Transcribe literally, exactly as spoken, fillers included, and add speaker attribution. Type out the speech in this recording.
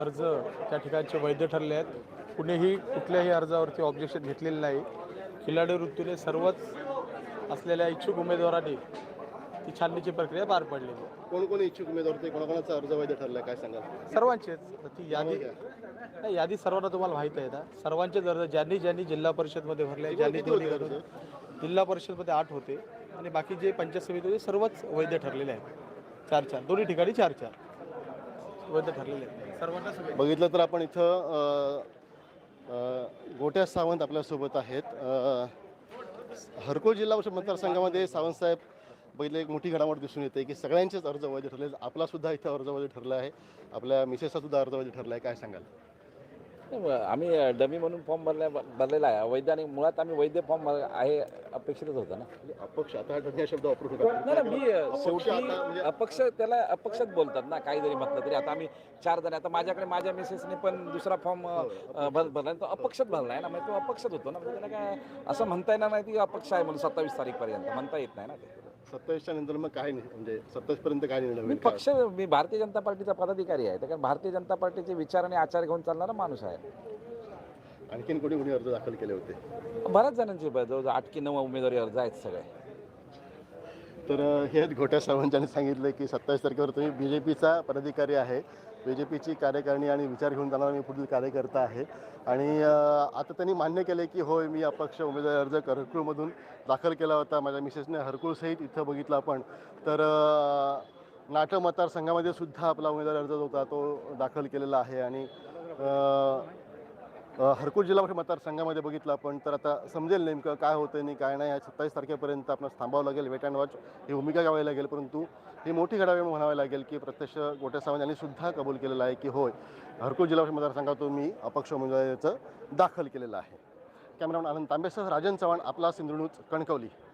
Speaker 1: अर्ज त्या ठिकाणचे वैध ठरले आहेत. कुणीही कुठल्याही अर्जावरती ऑब्जेक्शन घेतलेलं नाही. खिलाडी वृत्तीने सर्वच असलेल्या इच्छुक उमेदवारांनी ती छाननीची प्रक्रिया पार पडलेली आहे.
Speaker 2: कोण कोण इच्छुक उमेदवार होते, कोणाकोणाचा अर्ज वैध ठरलाय काय सांगाल?
Speaker 1: सर्वांचेच. ती यादी नाही, यादी सर्वांना तुम्हाला माहीत आहे ना. सर्वांचेच अर्ज ज्यांनी ज्यांनी जिल्हा परिषदमध्ये भरले, ज्यांनी दोन्ही करून जिल्हा परिषदमध्ये आठ होते आणि बाकी जे पंचायत समिती होते सर्वच वैध ठरलेले आहेत. चार चार दोन्ही ठिकाणी चार चार वैध ठरलेले आहेत सर्वांना.
Speaker 2: बघितलं तर आपण इथं गोट्या सावंत आपल्यासोबत आहेत. हरकुल जिल्हा परिषद मतदारसंघामध्ये सावंतसाहेब पहिले एक मोठी घडामोड दिसून येते की सगळ्यांचेच अर्ज वैध ठरले. आपला सुद्धा इथं अर्ज वैध ठरला आहे, आपल्या मिसेसचा सुद्धा अर्ज वैध ठरला आहे, काय सांगाल?
Speaker 3: आम्ही डमी म्हणून फॉर्म भरल्या भरलेला आहे अवैध, आणि मुळात आम्ही वैध फॉर्म आहे अपेक्षितच होतं ना.
Speaker 2: अपक्ष आता हा शब्द वापरू शकतो
Speaker 3: नाही ना, मी शेवटी अपक्ष त्याला अपक्षच बोलतात ना, काही जरी म्हटलं तरी. आता आम्ही चार जण, आता माझ्याकडे माझ्या मिसेसने पण दुसरा फॉर्म भरला, तो अपक्षच भरला आहे ना, म्हणजे तो अपक्षच होतो ना. म्हणजे त्याला काय असं म्हणता येणार नाही की अपक्ष आहे म्हणून सत्तावीस तारीखपर्यंत म्हणता येत नाही ना ते.
Speaker 2: सत्तावीसच्या नंतर मग काय नाही, म्हणजे सत्तावीस पर्यंत काय निर्णय
Speaker 3: मी
Speaker 2: होईल?
Speaker 3: पक्ष मी भारतीय जनता पार्टीचा पदाधिकारी आहे, कारण भारतीय जनता पार्टीचे विचार आणि आचार घेऊन चालणारा माणूस आहे.
Speaker 2: आणखीन कोणी कोणी अर्ज दाखल केले होते?
Speaker 3: बऱ्याच जणांचे जवळजवळ आठ की नऊ उमेदवारी अर्ज आहेत सगळे.
Speaker 2: तर हे आहेत गोट्या सावंतांनी सांगितलं की सत्तावीस तारखेवर तुम्ही बी जे पीचा पदाधिकारी आहे, बी जे पीची कार्यकारिणी आणि विचार घेऊन जाणारा मी पुढील कार्यकर्ता आहे. आणि आता त्यांनी मान्य केले की होय, मी अपक्ष उमेदवारी अर्ज हरकुळमधून दाखल केला होता. माझ्या मिसेसने हरकुळसहित इथं बघितलं आपण तर नाटक मतदारसंघामध्ये सुद्धा आपला उमेदवारी अर्ज होता तो दाखल केलेला आहे. आणि हरकुल जिल्हा परिषद मतदारसंघामध्ये बघितलं आपण तर आता समजेल नेमकं काय होतं आणि काय नाही. सत्तावीस तारखेपर्यंत आपल्याला थांबावं लागेल, वेट अँड वॉच ही भूमिका घ्यावी लागेल. परंतु ही मोठी घडामोड म्हणावी लागेल की प्रत्यक्ष गोट्या सावंत यांनी सुद्धा कबूल केलेलं आहे की होय, हरकुल जिल्हा परिषद मतदारसंघातून मी अपक्ष उमेदवारीचं दाखल केलेलं आहे. कॅमेरामॅन आनंद तांबेसह राजन चव्हाण, आपला सिंधुदुर्ग न्यूज, कणकवली.